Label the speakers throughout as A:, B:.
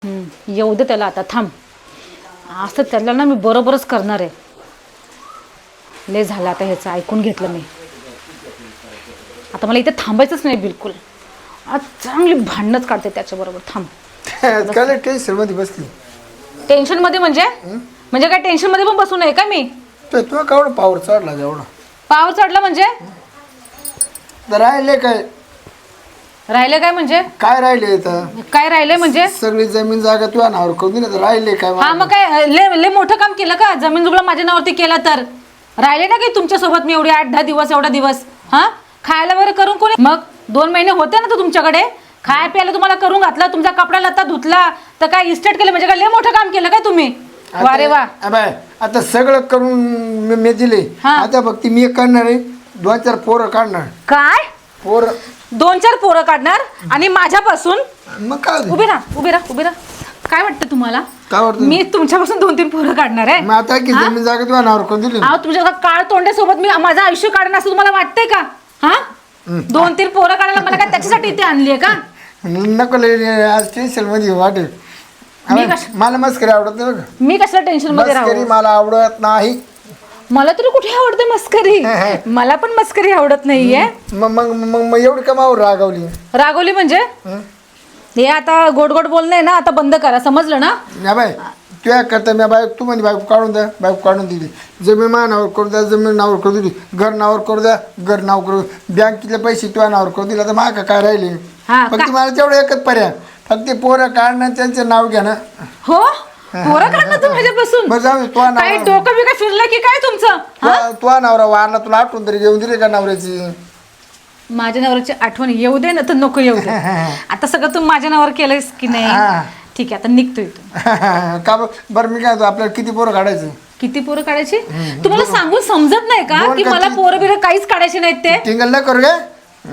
A: येऊ दे त्याला आता, थांब. असं त्याला ना मी बरोबरच करणार आहे. लय झालं आता ह्याचं, ऐकून घेतलं मी. आता मला इथे थांबायचंच नाही बिलकुल. आज चांगली भांडणच काढते त्याच्याबरोबर. थांब.
B: काय टेन्शन मध्ये बसली?
A: टेन्शनमध्ये म्हणजे काय टेन्शनमध्ये पण बसू नये का मी?
B: तुला कावडं पावर चढला एवढा?
A: पावर चढला म्हणजे?
B: राहिले काय?
A: राहिले काय म्हणजे?
B: काय राहिले इथं?
A: काय राहिलंय म्हणजे?
B: सगळी जमीन जागा तुझ्या नावावर करून दिली, तर राहिले काय?
A: हा मग काय लय मोठं काम केलं का? जमीन जुगला माझ्या नावावरती केला तर राहिले ना की तुमच्यासोबत मी एवढे 8-10 दिवस, एवढा दिवस. हा खायला वगैरे करून कोणी? मग 2 महिने होते ना तर तुमच्याकडे खाय प्यायला तुम्हाला करून घातला, तुमचा कपडा लत्ता धुतला, तर काय इस्टेट केलं म्हणजे काय लय मोठं काम केलं काय तुम्ही? वारे वा.
B: आता सगळं करून मी दिले, आता फक्त मी करणार आहे 2-4 पोरं काढणार.
A: काय
B: पोरं?
A: 2-4 पोरं काढणार आणि माझ्यापासून?
B: मग काय?
A: उभी राहा. काय वाटतं तुम्हाला?
B: काय वाटतं?
A: मी तुमच्यापासून 2-3 पोरं काढणार आहे?
B: मग आता की जमीन जागा तुझ्या नावावर करून दिली.
A: तुमच्या काळ तोंड्यासोबत मी माझं आयुष्य काढणं असं तुम्हाला वाटतंय का? हा 2-3 पोरं काढायला मला काय त्याच्यासाठी इथे आणलीये का?
B: नको आज टेन्शन मध्ये वाटेल. मला मस्करी आवडत नाही बघ.
A: मी कशाला टेन्शन मध्ये राहू?
B: मस्करी मला आवडत नाही.
A: मला तरी कुठे आवडते मस्करी? मला पण मस्करी आवडत नाहीये.
B: मग एवढी कमावर
A: रागवली म्हणजे? हे आता गोड गोड बोलणं आहे ना, आता बंद करा, समजलं ना?
B: बाय तुया करता मी बायको, तू म्हणजे बायको काढून द्या, बायको काढून दिली. जमीन मा नावावर करू द्या, जमीन नावावर करू दिली. घर नावावर करू द्या, घर नाव करू. बँकेतले पैसे तुझ्या नावावर करू दिला, तर माग काय राहिले? फक्त मला तेवढं एकच पर्याय, फक्त पोरं काढणं, त्यांचं नाव घ्या ना.
A: हो पोरं काढणं तू माझ्यापासून? काय डोकं बिकं फिरलं की काय तुमचं?
B: तुझा नवरा वारला, तुला आठवण तरी घेऊन दिली का नवऱ्याची?
A: माझ्या नवऱ्याची आठवण येऊ दे ना तर नको येऊ दे. आता सगळं तू माझ्या नावावर केलंयस की नाही? ठीक आहे, आता निघतो इथून.
B: का बरं मी काय आपल्याला किती पोरं काढायचं?
A: किती पोरं काढायची? तुम्हाला सांगून समजत नाही का की मला पोरं बिरं काहीच काढायचे नाहीत ते?
B: टिंगल नाही करू का?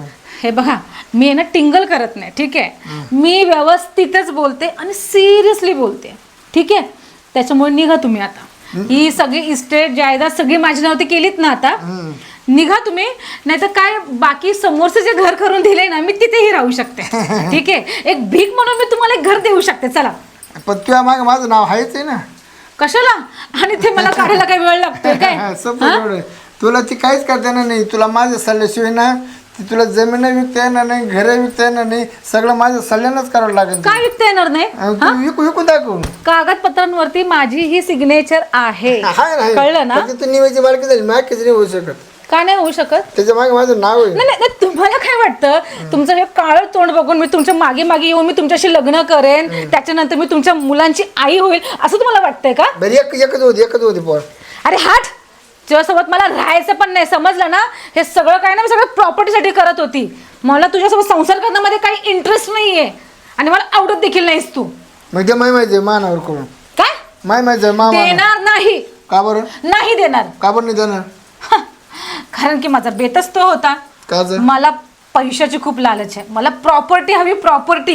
B: हे
A: बघा, मी ना टिंगल करत नाही, ठीक आहे? मी व्यवस्थितच बोलते आणि सिरियसली बोलते, ठीक आहे? त्याच्यामुळे निघा तुम्ही आता. ही सगळी इस्टेट जायदाद सगळी माझ्या नावावरती केलीत ना, आता निघा तुम्ही. नाही तर काय, बाकी समोरचं जे घर करून दिले ना, मी तिथेही राहू शकते, ठीक आहे? एक भीक म्हणून मी तुम्हाला एक घर देऊ शकते. चला.
B: पण तुझ्या मागे माझं नाव आहेच आहे ना.
A: कशाला? आणि ते मला काढायला काही वेळ लागतोय काय?
B: तुला ती काहीच करता येणार नाही. तुला माझ्या सल्ल्याशिवाय ना, तुला जमीन विकता येणार नाही, घर विकता येणार नाही. सगळं माझ्या सल्ल्यानंच करावं लागेल.
A: काय विकता येणार नाही?
B: विकू दाखवून
A: कागदपत्रांवरती माझी ही सिग्नेचर आहे, कळलं ना?
B: तू निवायची बालकी झाली, मागीच नाही होऊ शकत.
A: का नाही होऊ शकत?
B: त्याच्या मागे माझं नाव आहे.
A: नाही, तुम्हाला काय वाटतं? तुमचं हे काळं तोंड बघून मी तुमच्या मागे मागे येऊन मी तुमच्याशी लग्न करेन, त्याच्यानंतर मी तुमच्या मुलांची आई होईल, असं तुम्हाला वाटतंय का?
B: बरं एकच होती पोर.
A: अरे हाट, तुझ्यासोबत मला राहायचं पण नाही, समजलं ना? हे सगळं काय ना, मी सगळं प्रॉपर्टीसाठी करत होती. मला तुझ्यासोबत संसार करण्यामध्ये काही इंटरेस्ट नाहीये आणि मला आवडत देखील नाहीस तू.
B: म्हणजे माहिती मानावर करून
A: काय
B: माहिती
A: देणार नाही?
B: का बरं
A: नाही देणार?
B: का बरं नाही देणार?
A: कारण की माझा बेतच तो होता. मला पैशाची खूप लालच आहे, मला प्रॉपर्टी हवी, प्रॉपर्टी.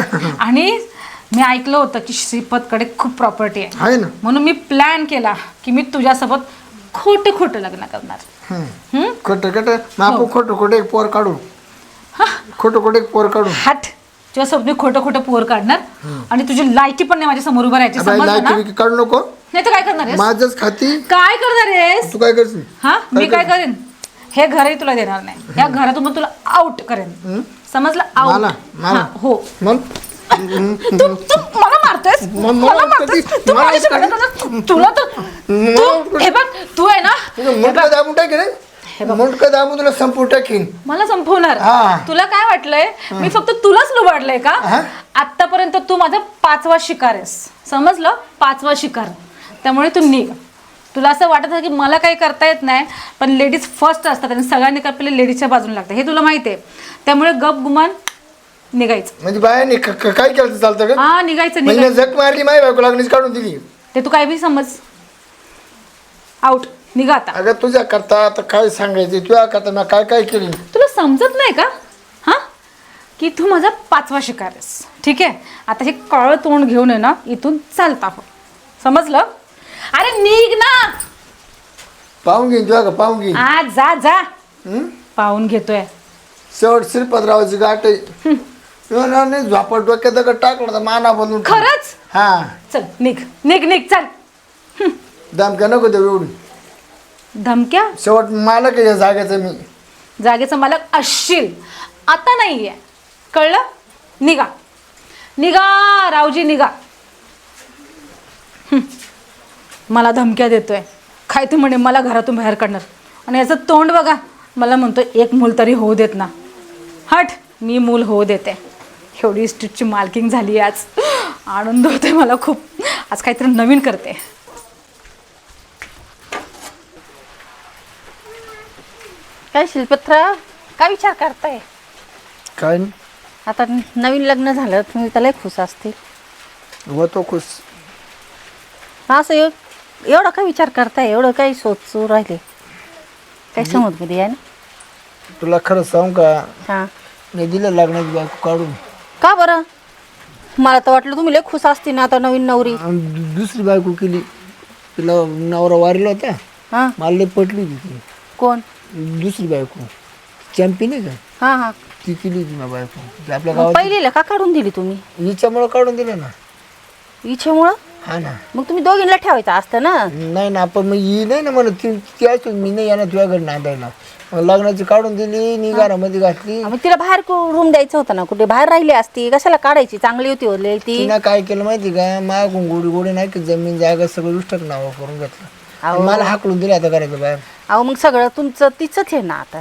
A: आणि मी ऐकलं होतं की श्रीपतकडे खूप प्रॉपर्टी आहे ना, म्हणून मी प्लॅन केला की मी तुझ्यासोबत खोटं लग्न करणार.
B: खोटं एक पोर काढू. खोटं एक पोर काढू.
A: हट, तुझ्यासोबत मी खोटं पोर काढणार आणि तुझी लायकी पण नाही माझ्या समोर उभं राहायची.
B: काढू नको.
A: नाही तर काय करणार आहेस?
B: माझंच खाती.
A: काय करणार आहेस
B: तू? काय करशील?
A: मी काय करेन? हे घरही तुला देणार नाही, या घरातून तुला आउट करेन, समजलं? आउट. हो. तू मला मारतोयस? तुला तर हे बघ, तू आहे ना,
B: तुला संपू टाकीन.
A: मला संपवणार? तुला काय वाटलंय मी फक्त तुलाच लुबाडलंय का? आतापर्यंत तू माझा 5वा शिकार आहेस, समजलं? 5वा शिकार. त्यामुळे तू निघ. तुला असं वाटत की मला काही करता येत नाही, पण लेडीज फर्स्ट असतात आणि सगळ्यांनी पहिले लेडीजच्या बाजूने लागतं, हे तुला माहिती आहे. त्यामुळे गप गुमान निघायचं.
B: म्हणजे बायाने काय केलं चालतं का?
A: हा, निघायचं.
B: जग मारली, माझी बायको लागणीच काढून दिली.
A: ते तू काय बी समज. आउट. निघा आता.
B: अगं तुझ्या करता आता काय सांगायचं, तुझ्या करता मी काय काय केली?
A: तुला समजत नाही का की तू माझा 5वा शिकार आहेस, ठीक आहे? आता हे काळं तोंड घेऊन आहे ना, इथून चालता हो, समजलं? अरे निघ ना.
B: पाहून घेईन तुझ्या का? पाहून घेईन.
A: जा. पाहून घेतोय.
B: शेवट श्रीपतरावाची गाठ आहे. तुला ना नाही झोपा डोक्यात दगड टाकला तर माना बनून
A: खरंच
B: हा
A: चल निघ निघ निघ चल.
B: दमक्या नको देऊ एवढी
A: धमक्या
B: शेवट मला काय या जागेचं मी
A: जागेचा मालक असशील आता नाहीये कळलं. निघा निघा रावजी निघा. मला धमक्या देतोय काय ते म्हणे मला घरातून बाहेर काढणार आणि याचं तोंड बघा मला म्हणतो एक मूल तरी होऊ देत ना. हट मी मूल होऊ देते. एवढी स्ट्रीटची मालकिंग झाली आज. आनंद होते मला खूप. आज काहीतरी नवीन करते.
C: काय शिल्पत्र काय विचार करताय.
B: काय नाही
C: आता नवीन लग्न झालं तुम्ही त्याला खुश असतील.
B: होतो खुश.
C: असं एवढा काय विचार करताय एवढं काही सोचू राहिले काय समज मध्ये आहे ना.
B: तुला खरं सांगू का
C: हां
B: मी दिलं लग्नाची बायको काढून
C: का बरं. मला तर वाटलं तुम्ही लय खुश असते ना आता नवीन नवरी.
B: आणि दुसरी बायको केली. तिला नवरा वारला होता.
C: हां
B: मला लई पटली होती ती.
C: कोण.
B: दुसरी बायको चॅम्पियन आहे का
C: हां हां
B: ती केली होती ना बायको ती आपल्या
C: मग
B: गावात
C: पहिलीला का काढून दिली तुम्ही.
B: हिच्यामुळं काढून दिलं ना.
C: इच्छेमुळं.
B: हा ना.
C: मग तुम्ही दोघींना ठेवायचं असतं ना.
B: नाही ना पण मग ही नाही ना म्हणत ती असून मी नाही येणार तुझ्या घरी नांदायला. मग लग्नाची काढून दिली नि घरामध्ये घातली.
C: मग तिला बाहेर रूम द्यायचं होतं ना कुठे बाहेर राहिली असती कशाला काढायची चांगली होती ओरली ती.
B: तिनं काय केलं माहिती का मागून गोडी गोडी नाही की जमीन जागा सगळं उष्टक नाव करून घेतलं.
C: अहो.
B: मला हाकलून दिलं आता घराच्या बाहेर.
C: अहो मग सगळं तुमचं तिचंच आहे ना आता.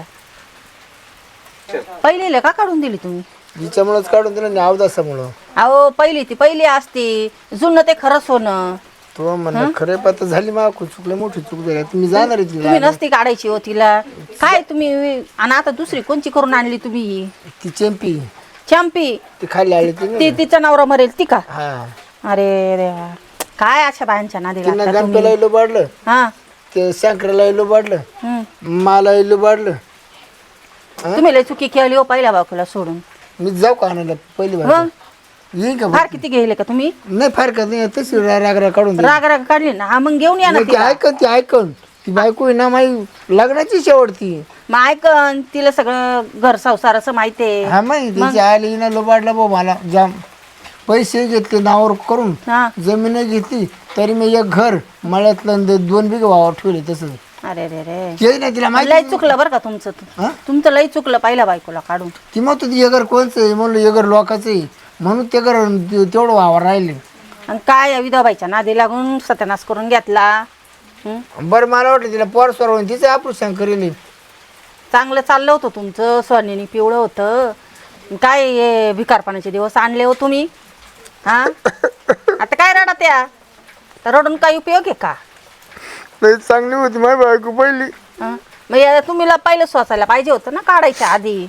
C: पहिलीला का काढून दिली तुम्ही.
B: हिच्यामुळंच काढून दिलं आणि अवदासामुळं.
C: अहो पहिली ती पहिली असती जुनं ते खरंच होणं.
B: तो म्हणलं खरे पात्र झाली मागून चुकलं मोठी चूक झाली तुम्ही जाणार आहे
C: तुम्ही
B: तिला.
C: नसती काढायची हो तिला काय तुम्ही. आणि आता दुसरी कोणची करून आणली तुम्ही.
B: ती चॅम्पी
C: चॅम्पी
B: ती खाली आली
C: ती
B: ती
C: तिचा नवरा मरेल ती का.
B: हा
C: अरे देवा काय अशा बायांच्या नादी
B: तिनं
C: लागता
B: गणपेला
C: तुम्ही.
B: इलो बाडलं
C: हा
B: ते शंकराला इलो बाडलं
C: हम्म.
B: मला इलो बाडलं.
C: तुम्ही लय चुकी केली हो पहिल्या बायकोला सोडून.
B: मी जाऊ का आणायला पहिली
C: मग
B: बार येईन का
C: फार किती गेले का तुम्ही.
B: नाही फार का नाही तशी राग काढून दे.
C: राग राग काढली ना हा मग घेऊन या ना
B: नाही, ती
C: तिला.
B: ऐकन ती ऐकन ती बायको आहे ना माझी लग्नाची शेवटती.
C: मग ऐकन तिला सगळं घर संसाराचं माहितीये.
B: हा माहिती त्याची आली ना लोबाडला भाऊ मला जाम पैसे घेतले नावावर करून
C: हा
B: जमीन घेतली तरी मी एक घर मळ्यातलं 2 बिघे वावर ठेवले तसं
C: अरे रे रे
B: ते नाही तिला
C: लय
B: माहिती.
C: चुकलं बरं का तुमचं.
B: हा?
C: तुमचं लय चुकलं पहिल्या बायकोला काढून.
B: ती मग तुझी ये घर कोणचं आहे म्हणलं ये घर लोकांचं आहे म्हणून ते घर तेवढं वावर राहिले.
C: आणि काय या विधवाबाईच्या नादी लागून सत्यानाश करून घेतला.
B: बरं मला वाटलं तिला पोर स्वर होऊन तिचं ऑपरेशन करेल.
C: चांगलं चाललं होतं तुमचं सोन्याने पिवळं होतं. काय हे भिकारपणाचे दिवस आणले हो तुम्ही. हा आता काय रडा त्या तर रडून काही उपयोग आहे का.
B: लई चांगली होती माझी बायको पहिली.
C: हं? मग तुम्हीला पहिलं सोसायला पाहिजे होतं ना काढायच्या आधी.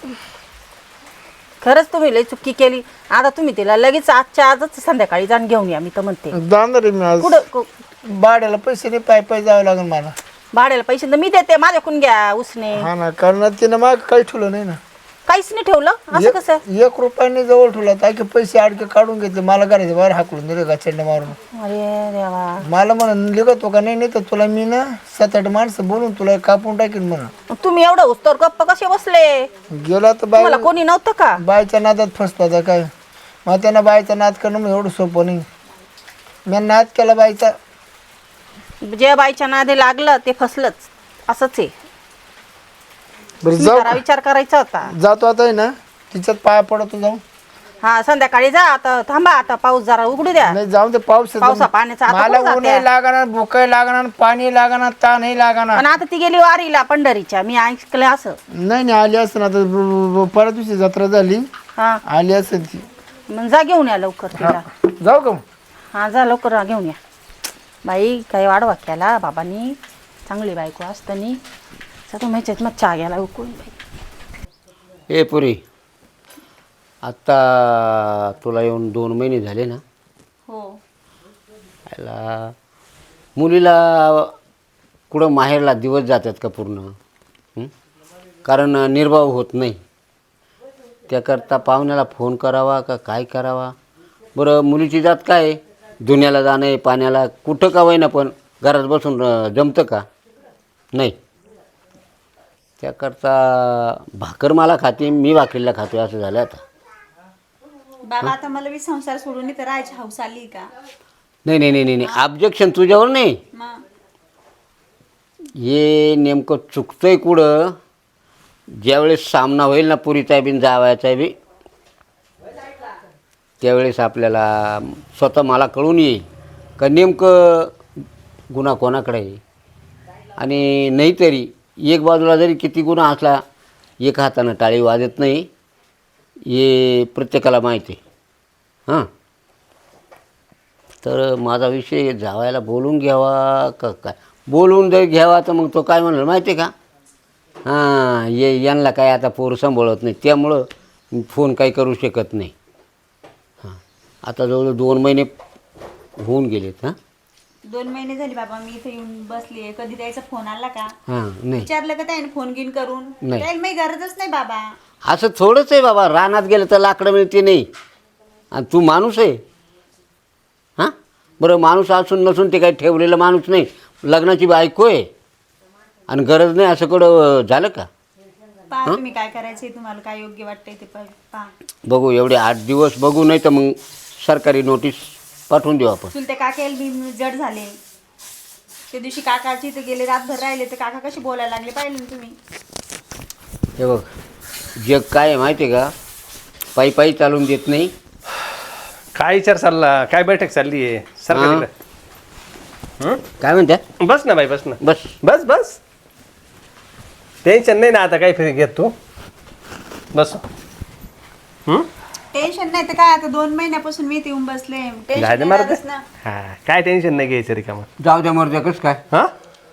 C: खरंच तुम्ही लई चुकी केली. आता तुम्ही तिला लगेच आजच्या आजच संध्याकाळी जाऊन घेऊन या मी तर म्हणते.
B: जाणार आहे मी आज
C: कुठं
B: भाड्याला पैसे नाही पाय जावं लागेल मला.
C: भाड्याला पैसे तर मी देते माझ्याकडून घ्या उसने.
B: हा ना कारण तिनं माग काही ठेवलं नाही ना.
C: काहीच नाही ठेवलं असं कसं.
B: 1 रुपयाने जवळ ठेवला ताकी पैसे अडके काढून घेतले मला घराच्या बाहेर हाकलून दिले गाचंड मारून.
C: अरे देवा.
B: मला म्हणून लिखतो का नाही तर तुला मी ना 7-8 माणसं बोलून तुला कापून टाकेन म्हणून.
C: मग तुम्ही एवढं उस्तर गप्प कसे बसले.
B: गेला तर बाय
C: मला कोणी नव्हतं का.
B: बायच्या नादात फसतो आता काय. मग त्यांना बायचा नाद करणं मग एवढं सोपं नाही. मी नाद केला बायचा.
C: जे बाईच्या नादी लागलं ते फसलंच असंच आहे.
B: बरं
C: तुम्ही
B: जाऊ
C: जरा विचार करायचा होता.
B: जातो आता आहे ना तिच्यात पाया पडतो जाऊ.
C: हा संध्याकाळी जा आता थांबा आता पाऊस जरा उघडू द्या.
B: नाही जाऊन ते पाऊस येतो.
C: पावसा पाण्याचा आता
B: मला
C: कुठं
B: ऊनही
C: जात्या?
B: लागणार भूकही लागणार पाणी लागणार ताणही लागणार.
C: पण आता ती गेली वारीला पंढरीच्या मी ऐकलं असं.
B: नाही आली असेल आता परत दिवशी जत्रा झाली
C: हा
B: आली असेल ती.
C: मग जा घेऊन या लवकर तिला.
B: जाऊ का मग?
C: हा जा लवकर घेऊन या. बाई काही वाढवा केला बाबांनी. चांगली बायको असतानी सगळं माहिती मग चहा घ्यायला उकळून.
D: ए पुरी आत्ता तुला येऊन 2 महिने झाले ना.
C: हो
D: याला मुलीला कुठं माहेरला दिवस जातात का पूर्ण. कारण निर्वाह होत नाही. त्याकरता पाहुण्याला फोन करावा का काय करावा. बरं मुलीची जात काय धुण्याला जाणं पाण्याला कुठं का होईना पण घरात बसून जमतं का नाही. त्याकरता भाकर मला खाते मी भाकरीला खातो असं झालं आता.
E: बाबा आता मला बी संसार सोडून इथं राहायची हौस आली का?
D: नाही नाही नाही नाही नाही ऑब्जेक्शन तुझ्यावर नाही.
E: मग
D: हे नेमकं चुकतंय कुठं, ज्यावेळेस सामना होईल ना पुरीचा बी जावायचा बी, त्यावेळेस आपल्याला स्वतः मला कळून येईल का नेमकं गुन्हा कोणाकडे आहे. आणि नाहीतरी एक बाजूला जरी किती गुन्हा असला एक हातानं टाळी वाजत नाही, हे प्रत्येकाला माहिती आहे. हां, तर माझा विषय जावायला बोलून घ्यावा का काय? बोलून जर घ्यावा तर मग तो काय म्हणलं माहिती आहे का, हां यांना काय आता पोर सांभाळत नाही त्यामुळं फोन काही करू शकत नाही. हां, आता जवळजवळ 2 महिने होऊन गेलेत. हां
E: 2 महिने झाले बाबा मी इथे येऊन बसली. कधी द्यायचा फोन आला का?
D: हां नाही
E: विचारलं का त्याने फोन घेऊन करून?
D: नाही.
E: त्याला मी गरजच नाही बाबा.
D: असं थोडंच आहे बाबा, रानात गेलं तर लाकडं मिळते नाही. आणि तू माणूस आहे. हां बरं, माणूस असून नसून ते काही ठेवलेलं माणूस नाही, लग्नाची बायको आहे आणि गरज नाही असं कडं झालं का?
E: पहा तुम्ही काय करायचंय, तुम्हाला काय योग्य वाटतंय ते पहा.
D: बघू, एवढे 8 दिवस बघू, नाही तर मग सरकारी नोटीस पाठवून देऊ आपण.
E: चुलते काकेल मी जड झाले. त्या दिवशी काकाची इथे गेले, रातभर राहिले, तर काका कशी बोलायला लागले पाहिले ना तुम्ही.
D: हे बघ, जग काय आहे माहिती आहे का, पायी पायी चालून देत नाही.
F: काय विचार चालला, काय बैठक चालली आहे सरकारी?
D: काय म्हणत्या?
F: बस ना बाई, बस ना,
D: बस
F: बस बस. टेन्शन नाही ना आता काही फिर घेत तू, बस.
E: टेन्शन नाही तर काय, आता 2 महिन्यापासून मी इथे येऊन बसले. टेन्शन
F: झालं
E: नाही
F: मारत
E: राहतच ना.
F: हा, काय टेन्शन नाही घ्यायचं रिकामं.
D: जाऊ द्या मर्द्या, कसं काय?
F: हा,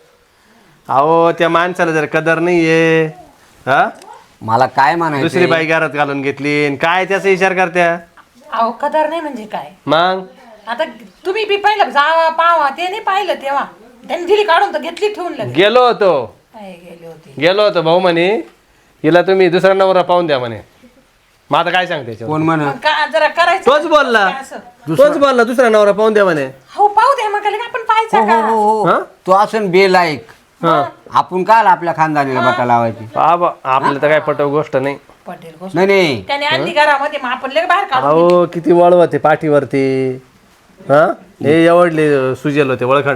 F: अहो त्या माणसाला जर कदर नाहीये, हा
D: मला काय म्हणायचं,
F: दुसरी बाई घरात घालून घेतली आणि काय त्याचा विचार करत्या
A: अहो कदर नाही म्हणजे काय?
F: मग?
A: आता तुम्ही बी पाहिलं जावा पावा, ते नाही पाहिलं तेव्हा त्यांनी दिली काढून तर घेतली ठेवून लगेच.
F: गेलो होतो
A: काय गेले होते.
F: गेलो होतो भाऊ म्हणे हिला तुम्ही दुसरा नवरा पाहून द्या म्हणे. मग आता काय सांगते याच्यावर?
D: कोण म्हण?
A: मग का जरा करायचं
F: तोच बोलला,
A: काय असं?
F: तोच बोलला दुसरा नवरा पाहून द्या म्हणे.
A: हो पाहू दे मग आपण
D: हो
A: पाहायचं
D: हो
A: का?
D: हो
F: हा?
D: हो, तो असं बेलायक. आपण काल आपल्या खानदानीला बटा लावायची?
F: बाबा आपल्याला तर काय पटव गोष्ट नाही.
A: पटेल गोष्ट
D: नाही नाही,
A: त्याने आणली घरामध्ये, मग आपण लय बाहेर काढून
F: अहो किती वळव होते पाठीवरती, हा हे एवढले सुजेल होते वळखंड.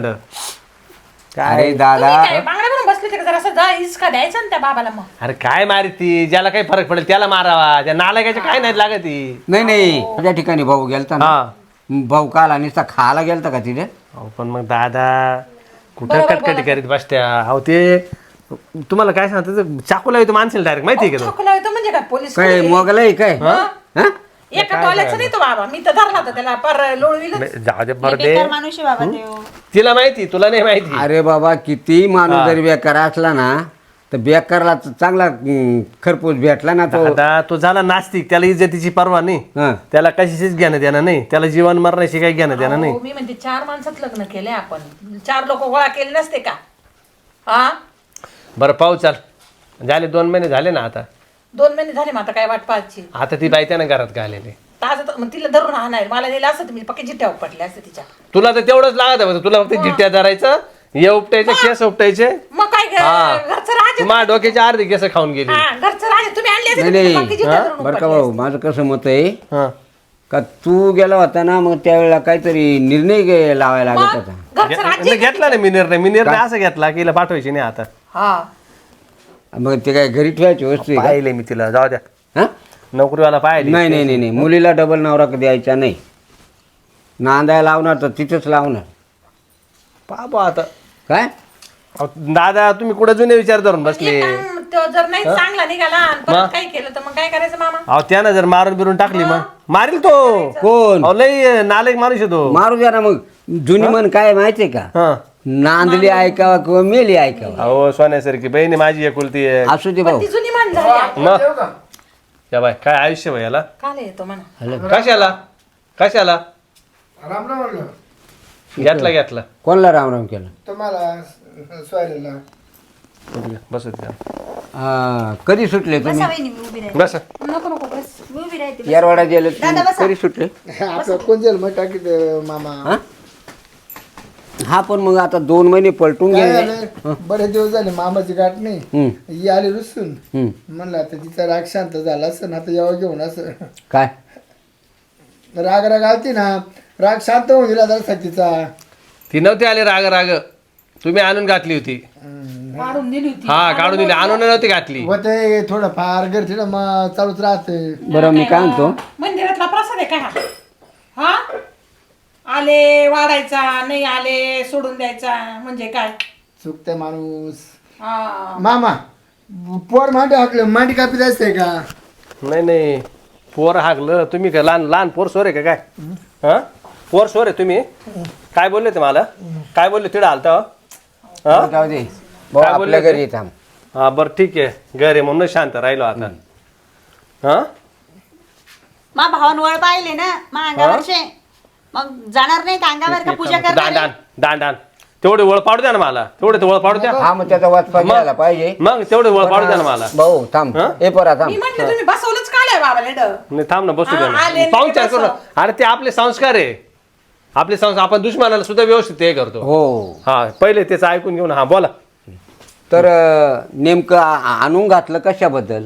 D: अरे दादा,
A: तुम्ही काय बांगड्या भरून बसले होते का? जरा असं जा हिसका द्यायचा ना त्या बाबाला. मग
F: अरे काय मारी ती, ज्याला काही फरक पडेल त्याला मारावा, त्या नालायकाच्या काय नाही लागत ती.
D: नाही नाही, त्या ठिकाणी भाऊ गेलता ना,
F: हा
D: भाऊ काल आणि खायला गेलता का तिथे?
F: अहो पण मग दादा कुठं कटकटी करीत बसत्या. अहो ते तुम्हाला काय सांगतो, चाकूला येतो माणसाला डायरेक्ट, माहिती आहे का तो?
A: ठोकला येतो म्हणजे काय पोलीस
D: काय मोगलाई काय? हा?
A: एका टॉयलेटचा नाही तो बाबा, मी तर धरला होता त्याला पर लोळविलं.
F: नाही, जाऊ दे बरं दे,
E: बेकार माणूस आहे बाबा ते.
F: तिला माहिती तुला नाही माहिती.
D: अरे बाबा, किती माणूस जरी बेकार असला ना, तर बेकारला चांगला खरपूस भेटला ना तो.
F: दादा तो झाला नास्तिक, त्याला इज्जतीची पर्वा नाही,
D: हा.
F: त्याला कशाचीच घेणं देणं नाही, त्याला जीवन मरण्याशी काही घेणं देणं नाही.
A: हो, मी म्हणते 4 माणसात लग्न केले आपण, 4 लोक गोळा केले नसते का? हा
F: बरं पाहू, चाल झाले 2 महिने झाले ना आता.
A: 2 महिने झाले, मग आता काय वाट पाहायची?
F: आता ती बाई त्यानं घरात घालेली.
A: ताज मग तिला धरून राहणार, मला नेलं असतं तर मी पक्की जिट्ट्या पडले असते तिच्या.
F: तुला तर तेवढंच लागत आहे, तुला फक्त जिट्ट्या धरायचं, हे उपटायचे, केस उपटायचे.
A: मग काय घरचं राज
F: माझ्या डोक्याचे अर्धे केस खाऊन गेली.
A: घरचं राज तुम्ही आणले असते
D: नाही
A: तर
D: नाही,
A: पक्की जिट्ट्या धरून
D: बरं का
A: पडले
D: भाऊ, माझं कसं मत आहे
F: हा.
D: का तू गेला होता ना, मग त्यावेळेला काहीतरी निर्णय लावायला लागत होता.
A: घरचं राज
F: घेतला नाही मी निर्णय असा घेतला की हिला पाठवायची नाही आता.
A: हा
D: मग ते काय घरी ठेवायची वस्तू आहे का?
F: पाहिले मी तिला, जाऊ द्या,
D: हा?
F: नोकरीवाला पाहिले.
D: नाही नाही नाही नाही, मुलीला डबल नवरा द्यायचा नाही. नांदायला लावणार तर तिथंच लावणार.
F: बाबा आता
D: काय
F: अहो, दादा तुम्ही कुठे जुने विचार धरून बसले.
A: तो जर नाही चांगला निघाला आणि परत काही केलं तर मग काय करायचं मामा?
F: अहो त्यानं जर मारून बिरून टाकली मग मारील तो.
D: कोण?
F: अहो लय नालायक माणूस आहे तो.
D: मारू द्या ना मग. जुनी मन काय माहितीये का,
F: हा.
D: नांदली ऐकावा किंवा मेली ऐकावा.
F: अहो सोन्यासारखी बहीण आहे माझी एकुलती आहे.
D: असू दे भाऊ.
A: ती जुनी मान झाली.
F: मग या बाय काय आयुष्य भाई याला.
A: काल येतो म्हणा.
F: कशाला कशाला
B: राम राम म्हणलं
F: घेतला घेतला.
D: कोणला रामराम केलं?
B: तुम्हाला स्वायला
F: बस
D: कधी सुटले तुम्ही?
E: बसा वहिनी, मी उभी राहते.
F: बस
A: नको नको बस.
E: मी उभी राहते, बसा.
D: यारवाडा गेले
E: दादा बसा.
D: कधी सुटले?
B: आपलं कोण जाईल मग टाकीत मामा.
D: हा? हा पण मग आता 2 महिने पलटून
B: काय
D: गेले.
B: झालं, बरेच दिवस झाले मामाची गाठ नाही.
D: हम्म,
B: ही आली रुसून.
D: हम्म.
B: म्हणलं आता तिचा राग शांत झाला असं, आता यावं घेऊन असं.
D: काय
B: राग राग आलती ना, राग शांत होऊन दिला जरा तिचा.
F: ती नव्हती आली राग राग, तुम्ही आणून घातली होती.
A: काढून दिली होती.
F: हा काढून दिली, आणून नव्हती घातली.
B: होते थोडं फार करते ना, मग चालूच राहते.
D: बरं मी काय म्हणतो,
A: मंदिरातला प्रसाद आहे का हा? हा आले वाढायचा, नाही आले सोडून द्यायचा, म्हणजे काय?
B: चुकते माणूस.
A: हा
B: मामा पोर मांडी हाकलं, मांडी कापी जायचंय का?
F: नाही नाही, पोर हागलं तुम्ही काय? लहान लहान पोर सोर आहे का काय? हा पोर सोर आहे तुम्ही? काय बोलले ते मला? काय बोलले तिकडे आलता? हा
D: जाऊ दे भाऊ,
F: काय बोलले
D: आपल्या
F: ते?
D: घरी थांब.
F: हा बरं ठीक आहे, घर आहे म्हणून शांत राहिलो आता. हा
E: मा भावांवळ पाहिले ना मा अंगावरचे, मग जाणार नाही का अंगावर का पूजा
F: दान
E: करणार
F: दान दान दान तेवढे ओळ पाडू द्या ना मला, तेवढे ओळ पाडू द्या.
D: हा मग त्याचा वाचपा घ्यायला पाहिजे.
F: मग तेवढे ओळ पाडू द्या ना मला.
D: भाऊ थांब,
F: हा?
D: ए पोरा थांब.
A: मी म्हटलं तुम्ही बसवलंच काय बाबा लेड?
F: नाही थांब ना, बसू द्या
A: हा, आले
F: ना,
A: नाही
F: पाहुणचार करू
A: बसव.
F: ना. अरे ते आपले संस्कार आहे, आपले संस्कार. आपण दुश्मनाला सुद्धा व्यवस्थित हे करतो.
D: हो
F: हा पहिले त्याचं ऐकून घेऊन. हा बोला.
D: तर नेमकं आणून घातलं कशाबद्दल?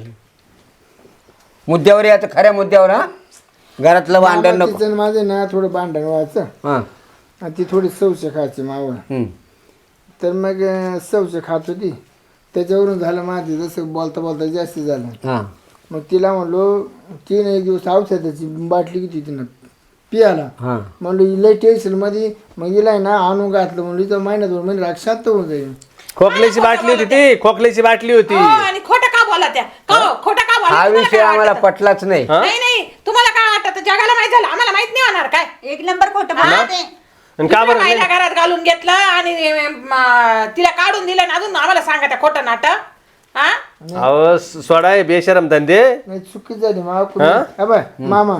D: मुद्द्यावर याचं, खऱ्या मुद्द्यावर. हा घरातलं भांडण नको.
B: तिचं माझे ना थोडं भांडण व्हायचं,
D: हा
B: आणि ती थोडी सवशे खायची मावळ.
D: हम्म.
B: तर मग सवशे खात होती, त्याच्यावरून झालं माझे जसं बोलता बोलता जास्त झालं.
D: हा
B: मग तिला म्हणलो, तिने एक दिवस औषधाची बाटली घेतली तिनं पियाला.
D: हा
B: म्हणलो लय टेन्शन मध्ये, मग हिला ना आणून घातलं. म्हणलं इथं महिना 2 महिने राग शांत होऊन जाईल.
F: खोकल्याची बाटली होती ती, खोकल्याची बाटली होती.
A: हो, आणि खोटं का बोला त्या? खोटं का बोला?
D: हा
A: तुम्हाला
D: विषय
A: काय
D: आम्हाला
A: वाटतं?
D: पटलाच नाही.
F: हा?
A: नाही नाही, तुम्हाला काय वाटतं? जगाला माहित झालं, आम्हाला माहित नाही होणार काय?
E: एक नंबर खोटं बोलते.
F: आणि का बरं
A: दुसऱ्या बाईला घरात घालून घेतलं आणि तिला काढून दिलं आणि अजून आम्हाला सांगा त्या खोटं नाटक. हा
F: अहो सोडा हे बेशरम धंदे.
B: नाही चुकी झाली मामा.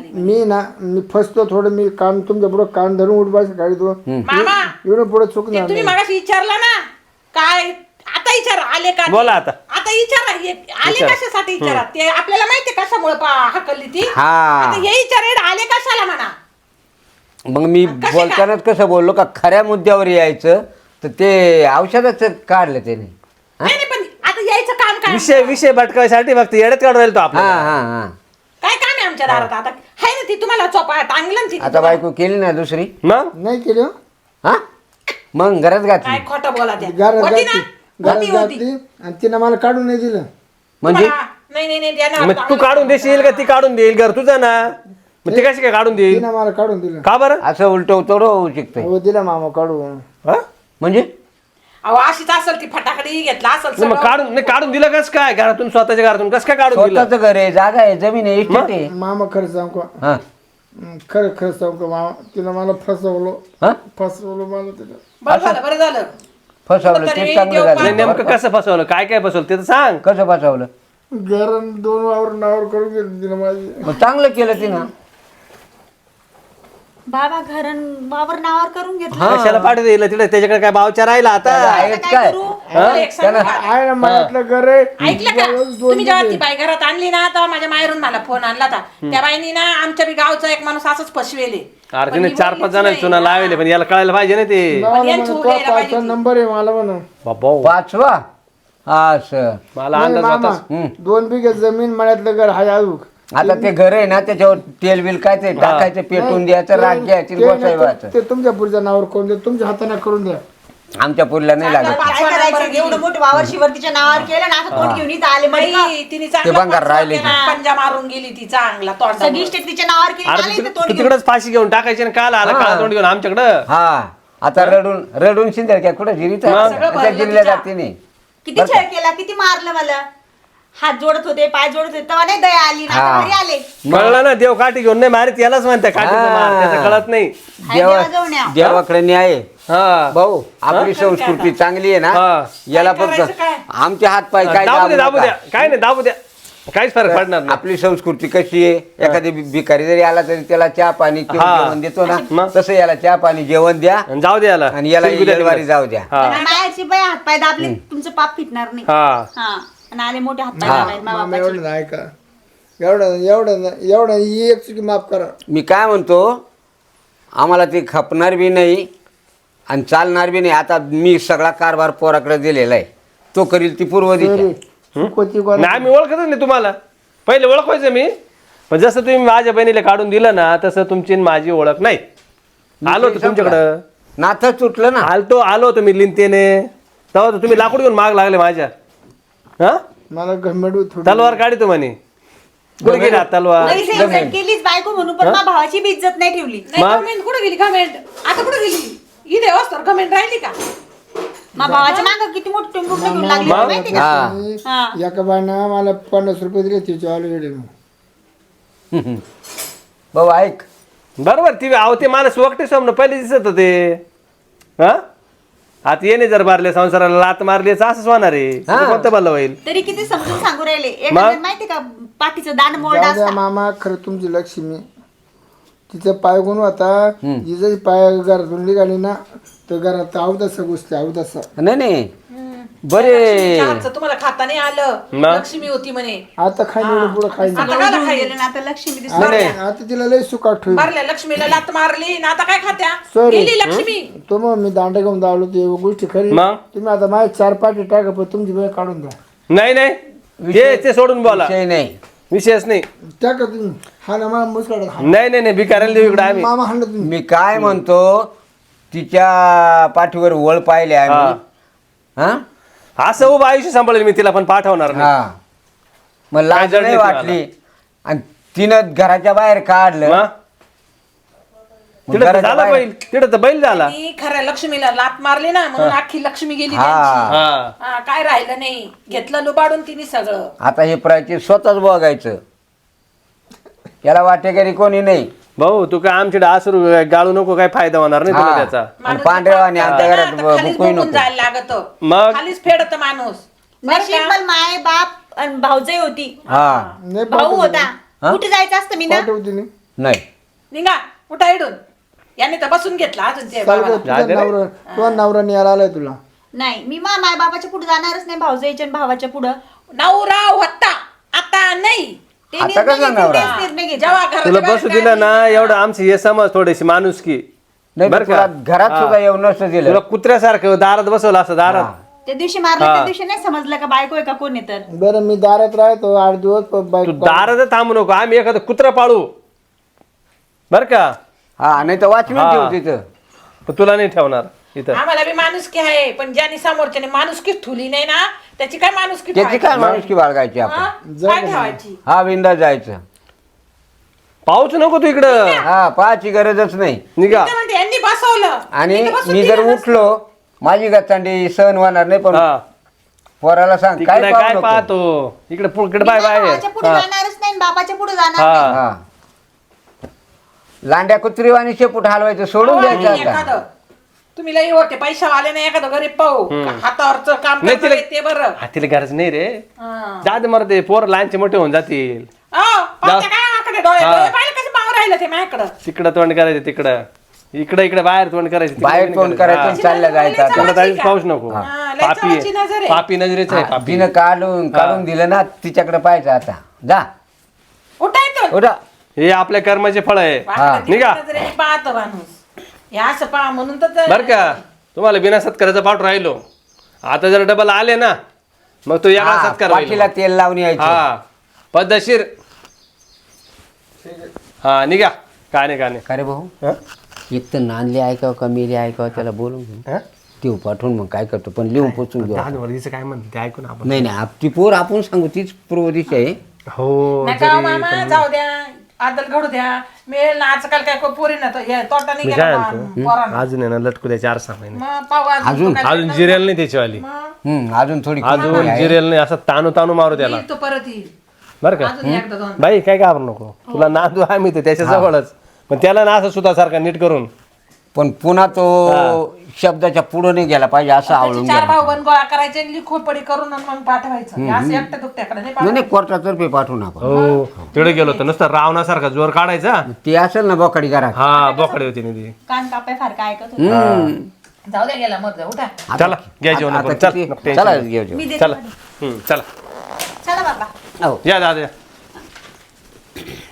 B: मी फसतो थोडं, मी कान तुमच्या पुढं कान धरून उठवायचं काढतो.
A: मामा
B: एवढं पुढे चुकणार
A: तुम्ही
B: नाही.
A: मगाशी विचारला ना काय? आता विचारा आले का?
F: बोला आता.
A: आता विचारा आले कशासाठी विचारा. ते आपल्याला माहिती कशामुळे हाकलली ती.
D: हा.
A: आता हे विचार आले कशाला म्हणा.
D: मग मी बोलतानाच कसं बोललो का खऱ्या मुद्द्यावर यायचं, तर ते औषधाच काढलं त्याने.
A: नाही नाही, पण आता यायचं काम काय?
F: विषय भटकायसाठी फक्त येड्यात काढून राहील तो
D: हा
F: आपला.
D: हा हा
A: काय काम आहे आमच्या दारात? आता हाय ना ती तुम्हाला चोपा टांगलं ना ती.
D: आता बायको केली ना दुसरी.
F: मग
B: नाही केलं हो.
D: हा मग घरात
A: काय
D: घातली.
A: खोटं बोला त्या?
B: घरात
A: होती ना?
B: घातली, घरात
A: होती, होती.
B: घातली, आणि तिनं मला काढून नाही दिलं.
D: म्हणजे
A: तुम्हाला- नाही नाही नाही, देणार.
F: मग तू काढून देशील का ती काढून देईल? घर तुझं ना, मग ती कशी काय काढून देईल?
B: तिनं मला काढून दिलं.
F: का बरं?
D: असं उलट होऊ शकतंय.
B: हो दिला मामा काढून.
F: हा?
D: म्हणजे
A: अहो अशीच असेल ती फटाकडी घेतला असेल
F: नाही, मग
A: सगळं.
F: काढून दिलं कस काय? घरातून, स्वतःच्या घरातून कस काय काढून दिलं?
D: स्वतःच घर आहे, जागा आहे, जमीन आहे, इस्टेट आहे.
B: मामा खरं सांगू का?
D: हा
B: खरं सांगू का मामा? तिनं मला
D: हा
B: फसवलं मला तिला.
A: बरं झालं बरं झालं.
D: फसवलं ते चांगलं
F: नाही,
D: झालं.
F: नेमकं कसं फसवलं? काय काय फसवलं ते तर सांग.
D: कसं फसवलं?
B: घर 2 वावर नावर करून गेली तिनं माझी.
D: मग चांगलं केलं तिनं.
E: बाबा घर वावर नावावर करून घेतलं.
F: कशाला पाठी दिलं तिकडे? त्याच्याकडे काय भावच्या राहिला आता?
D: आहेत काय?
A: मला एक सांगा.
B: आहे ना माझ्यातलं घर आहे.
A: ऐकलं का? तुम्ही जेव्हा ती बाई घरात आणली ना तेव्हा माझ्या माहेरून मला फोन आणला होता. त्या बाईनी ना आमच्या बी गावचा एक माणूस असंच फसवेले.
F: अरे तिने 4-5 जणांना चुना लावले, पण याला कळायला पाहिजे ना ते.
A: पण यांची उभी राहायला पाहिजे ती.
B: नंबर आहे मला म्हणा.
F: बाबा
D: 5वा असं.
F: मला
B: नाही
F: अंदाज
B: मामा,
F: होता.
B: 2 बिघे जमीन मळ्यातलं घर हाय अजूक.
D: आता ते घर आहे ना, त्याच्यावर तेल बिल काय ते टाकायचं, पेटून द्यायचं, राग घ्यायची, बसवायचं.
B: ते तुमच्या पुढच्या नावावर करून द्या, तुमच्या हाताने करून द्या.
D: आमच्या पुरीला नाही लागत.
E: काय करायचं? एवढं मोठं वावर शिवर्तीच्या नावावर केलं ना, असं तोंड घेऊन इथं आले
A: बाई,
E: म्हणजे
A: तिने
D: ते भंगार राहिले ते.
A: पंजा मारून गेली ती चांगला तोंड.
E: सगळी स्टेट तिच्या नावावर केली,
F: अरे
E: आले
F: तू
E: इथं तोंड घेऊन.
F: तिकडच फाशी घेऊन टाकायची ना, काल आला काळा तोंड घेऊन आमच्याकडं.
D: हा आता रडून शिंदे काय कुठं जिरीत जिरल्या जाते नाही.
E: किती छळ केला, किती मारलं मला. हात जोडत होते, पाय जोडत होते, तेव्हा नाही दया आली ना,
D: हा.
E: आता घरी आले.
F: कळलं ना, देव काठी घेऊन नाही मारित, यालाच म्हणते काठीचं मार. त्याचं कळत नाही.
E: देवाजवळ न्या.
D: देवाकडे न्याय आहे.
F: हा
D: भाऊ आपली संस्कृती चांगली आहे ना,
F: हा.
D: याला
A: काय
D: फक्त
A: करायचं काय?
D: आमचे हात पाय काय
F: दाबू द्या,
D: दाबू
F: दाबू
D: नका.
F: द्या, काय नाही दाबू द्या, काहीच फरक पडणार नाही.
D: आपली संस्कृती कशी आहे, एखादी भिकारी जरी आला तरी त्याला चहा पाणी किंवा
F: हा.
D: जेवण देतो ना,
F: मग?
D: तसं याला चहा पाणी जेवण द्या
F: आणि जाऊ द्या याला.
D: आणि याला
F: शिंगू द्या
D: येलवारी
F: तिकडे.
D: जाऊ द्या.
F: हा
E: आणि मायाची बाई हात पाय दाबले, तुमचं पाप फिटणार नाही.
F: हा
E: हा आणि आले मोठे हात पाय दाबायला मा
B: मामा
E: बापाचे.
B: एवढं ऐका, एवढं ही एक चुकी माफ करा.
D: मी काय म्हणतो, आम्हाला ते खपणार बी नाही आणि चालणार बी नाही. आता मी सगळा कारभार पोराकडे दिलेला आहे, तो करील ती पूर्व दिशा.
B: चुकवती कोण?
F: नाही, आम्ही ओळखतच नाही तुम्हाला. पहिले ओळखायचं मी, पण जसं तुम्ही माझ्या बहिणीला काढून दिलं ना तसं तुमची आणि माझी ओळख नाही. आलो होतो तुमच्याकडं,
D: नातं तुटलं ना.
F: आलो होतो मी लिंतेने, तेव्हा तर तुम्ही लाकूड घेऊन माग लागले माझ्या. हा
B: मला घमेंड थोडी
F: तलवार काढतो म्हणे. कुठे गेली आता तलवार?
E: तरी सेम सेम केलीच बायको म्हणून, पण माझ्या भावाची बी इज्जत नाही ठेवली.
A: कमेंट कुठे गेली? कमेंट आता कुठे गेली? इथे वस्तर कमेंट राहिली का?
E: माझ्या भावाच्या मागं किती मोठी टिंबूक घेऊन लागली होती माहिती का?
D: हा.
E: हा.
B: एका बायना मला 50 रुपये दिले तिचे ऑलरेडी.
D: भाऊ ऐक,
F: बरोबर ती ते माणूस वकटे समोर पहिले दिसत होते. हा आता येणे जर मारले संसाराला लात मारली असंच होणार आहे. कोणतं भलं होईल?
E: तरी किती समजून सांगू राहिले. एखाद्या माहिती का पाठीचं दान मोड
B: जाऊ द्या मामा, खरं तुमची लक्ष्मी. तिचा पाय गुण होता, तिचा पाय घरातून निघाली ना तर घरात अवदासा गोष्टी अवदासा.
D: नाही बरे.
A: तुम्हाला खाता नाही आलं,
F: मग?
A: लक्ष्मी होती म्हणे.
B: आता खायला पुढं खायला
A: आता काय खायला?
E: गेलं ना आता लक्ष्मी दिसते.
B: आता तिला लय सुखात ठेवली.
A: मारल्या लक्ष्मीला लात मारली ना, आता काय खात्या?
B: Sorry.
A: गेली लक्ष्मी.
B: तो मग मी दांडा घेऊन धावलो ते गोष्टी खरी.
F: मग?
B: तुम्ही आता माझ्या 4 पाठी टाका, पण तुमची वेळ काढून द्या.
F: नाही ते सोडून बोला,
D: विषय नाही.
F: विशेष नाही.
B: टाका तुम्ही. हा ना मला मुसकाडा
F: नाही भिकाऱ्याला देऊ इकडे आम्ही.
B: मामा हाणलं तुम्ही.
D: मी काय म्हणतो, तिच्या पाठीवर वळ पाहिले आम्ही. हा
F: असं उभं आयुष्य सांभाळेल मी तिला, पण पाठवणार नाही.
D: हा. मग लाज
F: जड
D: नाही
F: नाही
D: वाटली, आणि तिनं घराच्या बाहेर काढलं.
F: मग?
D: मग
F: तिथं तर
D: घराच्या
F: झाला
D: बाहेर-
F: बैल, तिथं तर बैल झाला.
A: ती खऱ्या लक्ष्मीला लात मारली ना, म्हणून अख्खी लक्ष्मी गेली
D: हा.
A: त्यांची.
F: हा
A: हा, काय राहिलं नाही. घेतलं लुबाडून तिने सगळं.
D: आता हे प्राची स्वतःच बघायचं, याला वाटेकरी कोणी नाही.
F: भाऊ तू काय आमच्याकडे आसरू गाळू नको, काय फायदा होणार नाही तुला
D: हा.
F: त्याचा.
D: आणि पांढऱ्यावानी आमच्या घरात
A: खालीच
D: बुकूही
A: बघून
D: नको.
A: जायला लागत.
F: मग?
A: खालीच फेडत माणूस. बरं
E: नशीब
A: का?
E: पण माय बाप आणि भाऊजाई होती,
D: हा
B: नाही
E: भाऊ होता.
D: हा?
E: कुठे जायचं असतं मी ना.
B: पाठवते नाही.
D: नाही.
A: निघा उठा इडून. याने तर बसून घेतला अजून ते
B: चाल
A: बाबाला.
B: गं, तुझा नवरा न्यायला आलाय तुला.
E: नाही मी माय बाबाच्या पुढे जाणारच नाही, भाऊजाईच्या आणि भावाच्या पुढं.
A: नवरा होता, आता नाही.
E: ते
D: आता
E: निर्णय
D: कसं
E: घेतील,
D: नवरा?
E: तेच निर्णय घेतील.
A: जेव्हा घराच्या
F: तुला
A: बाहेर
F: बसू दिलं ना एवढं आमची हे समज थोडीशी माणुसकी.
D: नाही
F: बरं
D: तुला
F: का?
D: घरात सुद्धा येऊन नसतं दिलं.
F: तुला कुत्र्यासारखं दारात बसवलं असं दारात.
E: त्या दिवशी मारलं, त्या दिवशी नाही समजलं का बायको आहे का कोण आहे तर.
B: बरं मी दारात राहतो 8 दिवस
F: तू
B: बाईक
F: दारात थांबू नको, आम्ही एखादं कुत्रा पाळू बर का.
D: हा नाही तर वाचवीन
F: हा.
D: ठेव तिथं.
F: पण तुला नाही ठेवणार इथं.
A: आम्हाला बी माणुसकी आहे, पण ज्याने समोरच्याने माणुसकी ठुली नाही ना, त्याची काय माणुसकी
D: त्याची
A: ठेवायची?
D: काय माणुसकी बाळगायची आपण.
A: हा? काय ठेवायची?
D: हा बिंदा जायचं.
F: पाऊच नको तू इकडं,
D: हा पाहायची गरजच नाही.
F: निघा.
A: ते म्हणते, यांनी बसवलं.
D: आणि
A: इथं बसून
D: मी जर
A: दिलं
D: उठलो माझी गचांडी सहन होणार नाही, पण
F: हा
D: पोराला सांग
F: तिकडे
D: काय
F: काय
D: पाहू नको.
F: पाहतो इकडे इकडे
E: मी
F: बाय
E: माझ्या
F: बाय.
E: भावाच्या पुढे जाणारच नाही आणि बापाच्या पुढे जाणार
F: हा.
E: नाही.
D: हा लांड्या कुत्रीवाणी शेपूट हलवायचं सोडून
A: अहो,
D: द्यायचं
A: आणि
D: आता.
A: एखादं तुम्ही लई होते पैशावाले नाही, एखादं गरीब पाहू हातावरचं काम
F: नाही,
A: करतं
F: तिला-
A: ते बरं.
F: हातीला गरज नाही रे.
A: हा.
F: जा दे मरते, पोर लहानचे मोठे होऊन जातील.
A: अहो, पाहते काय आकडे डोळे
F: हा.
A: डोळे पाहिले कसे पाहू राहिलं ते माझ्याकडं.
F: तिकडं तोंड करायचं, तिकडं इकडे बाहेर तोंड करायचं, तिकडं
D: बाहेर
F: नाही
D: तोंड करायचं आणि चालल्या जायचं आता.
F: तिकडं जायचं, पाऊस नको.
A: हा, लय चवाची नजर आहे.
F: पापी नजरेच आहे पापी.
D: तिनं काढून दिलं ना तिच्याकडे पाहायचं आता. जा
A: उठायचं
D: उठा.
F: हे आपल्या कर्माचे फळ आहे. निघा.
A: पाहत माणूस हे असं पहा म्हणून तर
F: बर का, तुम्हाला बिना सत्काराचा पाठ राहिलो. आता जर डबल आले ना मग तो याला
D: हा,
F: सत्कार होईल.
D: पाठीला तेल लावून यायचं.
F: हा पद्धतशीर. हा निघा. काय नाही
D: का रे भाऊ,
F: हा?
D: एक तर नांदले ऐकावं का मेले ऐकावं त्याला बोलून घेऊ.
F: हा?
D: देऊ पाठवून मग काय करतो, पण लिहून पोचून घेऊ.
F: दादवडीचं काय म्हणते ते ऐकून आपण.
D: नाही ती पोर आपण सांगू, तीच पूर्व दिशा आहे.
F: हो
A: नका हो मामा, जाऊ द्या आदल घडू द्या. मिळेल ना आजकाल काय पोरी ना तो हे तोटा नाही
F: मी
A: गेला
F: काय
A: बा,
F: म्हणतो
A: पोरांना.
F: अजून आहे ना लटकू द्या 4-6 महिने.
A: मग पाहू अजून तो काय
F: अजून जिरेल नाही त्याचीवाली.
A: मग
D: अजून थोडी
F: अजून
D: कमी आहे.
F: जिरेल नाही, असं तानू मारू त्याला.
A: येईल तो परत येईल
F: बरं का.
A: अजून एकदा दोन.
F: बाई काय घाबरू नको, तुला नांदू आम्ही तर त्याच्या जवळच. पण त्याला ना असं सुतासारखा नीट करून.
D: पण पुन्हा तो शब्दाच्या पुढे नाही गेला पाहिजे असं आवडून
A: त्याचे 4
D: गेला.
A: भाऊ बन गोळा करायचे आणि लिखोपडी करून आणि मग पाठवायचं हे असं एकट्या दुकट्याकडे नाही
D: नाही
A: पाठवायचं.
D: कोर्टातर्फे पाठवून आपण.
F: हो तिकडे गेलो होतो नुसतं रावणासारखा जोर काढायचा.
D: ते असेल ना बोकडी घरात.
F: हा बोकडे होती ना ती.
E: कान कापाय फारका ऐकत होते.
A: जाऊ द्या गेला मग जाऊ उठा.
F: चला घ्या जेवण
D: आता
F: आपण. चल
D: किती-
F: नको टेन्शन
D: चला
F: नाही.
D: घेऊ जेवण.
E: मी देते
F: चला
E: पाठवून.
F: चला
E: चला बाबा.
D: हो.
F: या दादा या.